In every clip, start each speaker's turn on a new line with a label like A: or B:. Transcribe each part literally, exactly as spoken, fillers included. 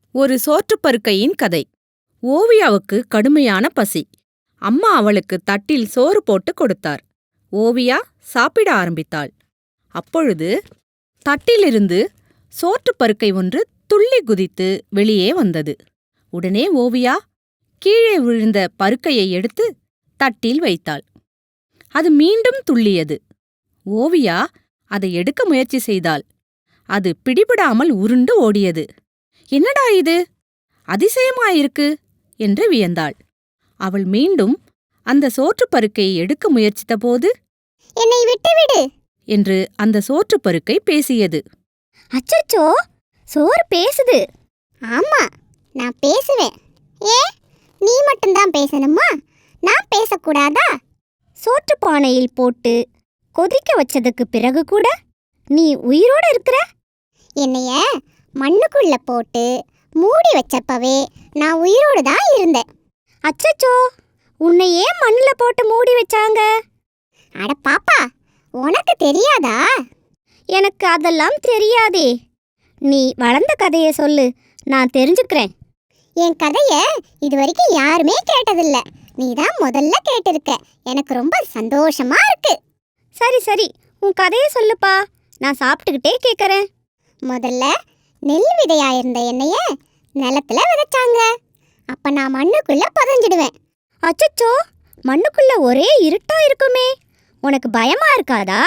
A: ஒரு சோற்றுப்பருக்கையின் கதை. ஓவியாவுக்கு கடுமையான பசி. அம்மா அவளுக்கு தட்டில் சோறு போட்டு கொடுத்தார். ஓவியா சாப்பிட ஆரம்பித்தாள். அப்பொழுது தட்டிலிருந்து சோற்றுப்பருக்கை ஒன்று துள்ளி குதித்து வெளியே வந்தது. உடனே ஓவியா கீழே விழுந்த பருக்கையை எடுத்து தட்டில் வைத்தாள். அது மீண்டும் துள்ளியது. ஓவியா அதை எடுக்க முயற்சி செய்தாள். அது பிடிபடாமல் உருண்டு ஓடியது. என்னடா இது, அதிசயமாயிருக்கு என்று வியந்தாள். அவள் மீண்டும் அந்த சோற்றுப்பருக்கையை எடுக்க முயற்சித்தபோது,
B: என்னை விட்டுவிடு
A: என்று அந்த சோற்றுப்பருக்கை பேசியது.
B: அச்சச்சோ, சோறு பேசுது. ஆமா, நான் பேசுவேன். ஏ, நீ மட்டும்தான் பேசணுமா? நான் பேசக்கூடாதா? சோற்று பானையில் போட்டு கொதிக்க வச்சதுக்கு பிறகு கூட நீ உயிரோட இருக்கிற. என்னைய மண்ணுக்குள்ள போட்டு மூடி வச்சப்பவே நான் உயிரோடு தான் இருந்தேன். அச்சச்சோ, உன்னை ஏன் மண்ணில் போட்டு மூடி வச்சாங்க? அட பாப்பா, உனக்கு தெரியாதா? எனக்கு அதெல்லாம் தெரியாதே. நீ வளர்ந்த கதையை சொல்லு, நான் தெரிஞ்சுக்கிறேன். என் கதையை இது வரைக்கும் யாருமே கேட்டதில்ல. நீ தான் முதல்ல கேட்டிருக்க. எனக்கு ரொம்ப சந்தோஷமா இருக்கு. சரி சரி, உன் கதையை சொல்லுப்பா, நான் சாப்பிட்டுக்கிட்டே கேட்குறேன். முதல்ல நெல் விதையாயிருந்த என்னைய நிலத்துல விதைச்சாங்க. அப்ப நான் மண்ணுக்குள்ள புதைஞ்சிடுவேன். அச்சச்சோ, மண்ணுக்குள்ள ஒரே இருட்டா இருக்குமே, உனக்கு பயமா இருக்காதா?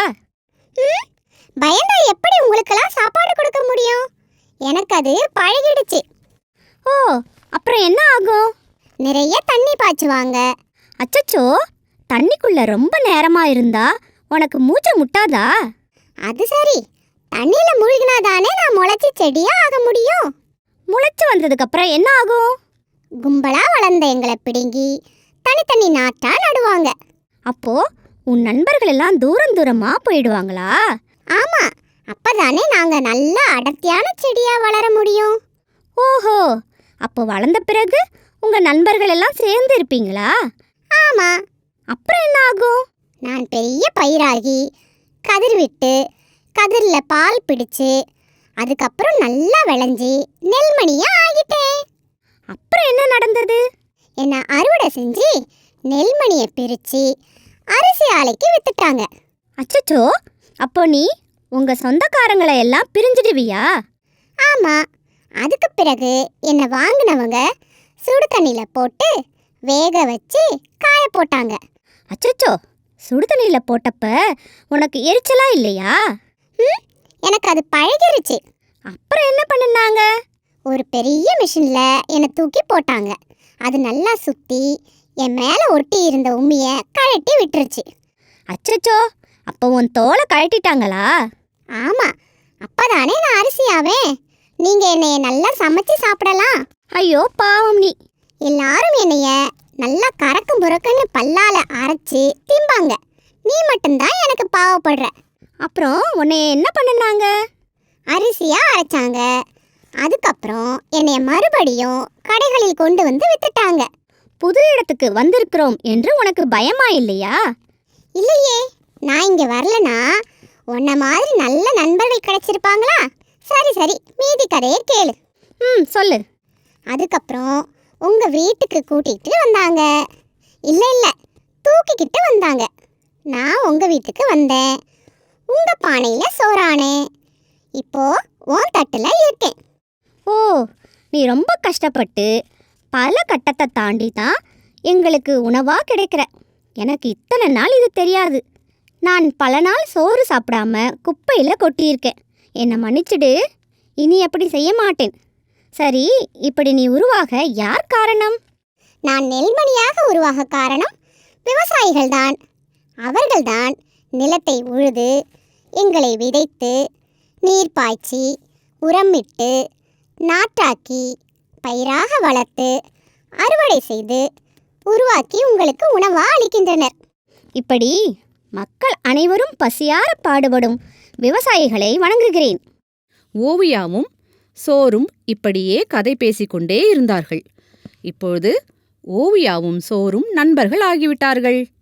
B: ம், பயந்தா எப்படி உங்களுக்கெல்லாம் சாப்பாடு கொடுக்க முடியும்? எனக்கு அது பழகிடுச்சு. ஓ, அப்புறம் என்ன ஆகும்? நிறைய தண்ணி பாய்ச்சுவாங்க. அச்சச்சோ, தண்ணிக்குள்ள ரொம்ப நேரமா இருந்தா உனக்கு மூச்சு முட்டாதா? அது சரி, தண்ணியில மூழ்கினாதானே நான் முளைச்சி செடியா ஆக முடியும். முளைச்சு வந்ததுக்கு அப்புறம் என்ன ஆகும்? கும்பலா வளர்ந்த எங்களை பிடுங்கி தனித்தனி நாட்டா நடுவாங்க. அப்போ உன் நண்பர்கள் எல்லாம் தூரம் தூரமா போயிடுவாங்களா? ஆமா, அப்பதானே நாங்க நல்ல அடர்த்தியான செடியா வளர முடியும். ஓஹோ, அப்போ வளர்ந்த பிறகு உங்க நண்பர்கள் எல்லாம் சேர்ந்து இருப்பீங்களா? ஆமா. அப்புறம் என்ன ஆகும்? நான் பெரிய பயிராகி கதிர் விட்டு கதிரில் பால் பிடிச்சு அதுக்கப்புறம் நல்லா விளைஞ்சி நெல்மணியா ஆகிட்டேன். அப்புறம் என்ன நடந்தது? என்னை அறுவடை செஞ்சு நெல்மணியை பிரித்து அரிசி ஆலைக்கு வித்துட்டாங்க. அச்சச்சோ, அப்போ நீ உங்க சொந்தக்காரங்களை எல்லாம் பிரிஞ்சிடுவியா? ஆமா. அதுக்கு பிறகு என்னை வாங்கினவங்க சுடு தண்ணியில் போட்டு வேக வச்சு காய போட்டாங்க. அச்சச்சோ, சுடு தண்ணியில் போட்டப்ப உனக்கு எரிச்சலா இல்லையா? ம், எனக்கு அது பழகிருச்சு. அப்புறம் என்ன பண்ணினாங்க? ஒரு பெரிய மிஷினில் என்னை தூக்கி போட்டாங்க. அது நல்லா சுற்றி என் மேலே ஒட்டி இருந்த உம்மியை கழட்டி விட்டுருச்சு. அச்சச்சோ, அப்போ உன் தோலை கழட்டிட்டாங்களா? ஆமாம், அப்போதானே நான் அரிசியாவேன். நீங்கள் என்னைய நல்லா சமைச்சு சாப்பிடலாம். ஐயோ பாவம் நீ. எல்லாரும் என்னைய நல்லா கறக்கும் புறக்குன்னு பல்லால அரைச்சி திம்பாங்க. நீ மட்டும்தான் எனக்கு பாவப்படுற. அப்புறம் உன்னைய என்ன பண்ணினாங்க? அரிசியாக அரைச்சாங்க. அதுக்கப்புறம் என்னைய மறுபடியும் கடைகளில் கொண்டு வந்து வித்துட்டாங்க. புது இடத்துக்கு வந்திருக்கிறோம் என்று உனக்கு பயமா இல்லையா? இல்லையே, நான் இங்கே வரலனா உன்ன மாதிரி நல்ல நண்பர்கள் கிடைச்சிருப்பாங்களா? சரி சரி, மீதி கதையை கேளு. ம், சொல்லு. அதுக்கப்புறம் உங்கள் வீட்டுக்கு கூட்டிகிட்டு வந்தாங்க. இல்லை இல்லை, தூக்கிக்கிட்டு வந்தாங்க. நான் உங்கள் வீட்டுக்கு வந்தேன். உங்கள் பானையில் சோறானேன். இப்போ உன் தட்டில் இருக்கேன். ஓ, நீ ரொம்ப கஷ்டப்பட்டு பல கட்டத்தை தாண்டி தான் எங்களுக்கு உணவாக கிடைக்கிற. எனக்கு இத்தனை நாள் இது தெரியாது. நான் பல நாள் சோறு சாப்பிடாம குப்பையில் கொட்டியிருக்கேன். என்னை மன்னிச்சிடு, இனி அப்படி செய்ய மாட்டேன். சரி, இப்படி நீ உருவாக யார் காரணம்? நான் நெல்மணியாக உருவாக காரணம் விவசாயிகள்தான். அவர்கள்தான் நிலத்தை உழுது எங்களை விதைத்து நீர் பாய்ச்சி உரமிட்டு நாற்றாக்கி பயிராக வளர்த்து அறுவடை செய்து உருவாக்கி உங்களுக்கு உணவாக அளிக்கின்றனர். இப்படி மக்கள் அனைவரும் பசியார பாடுபடும் விவசாயிகளை வணங்குகிறேன்.
A: ஓவியாவும் சோறும் இப்படியே கதை பேசிக்கொண்டே இருந்தார்கள். இப்பொழுது ஓவியாவும் சோறும் நண்பர்கள் ஆகிவிட்டார்கள்.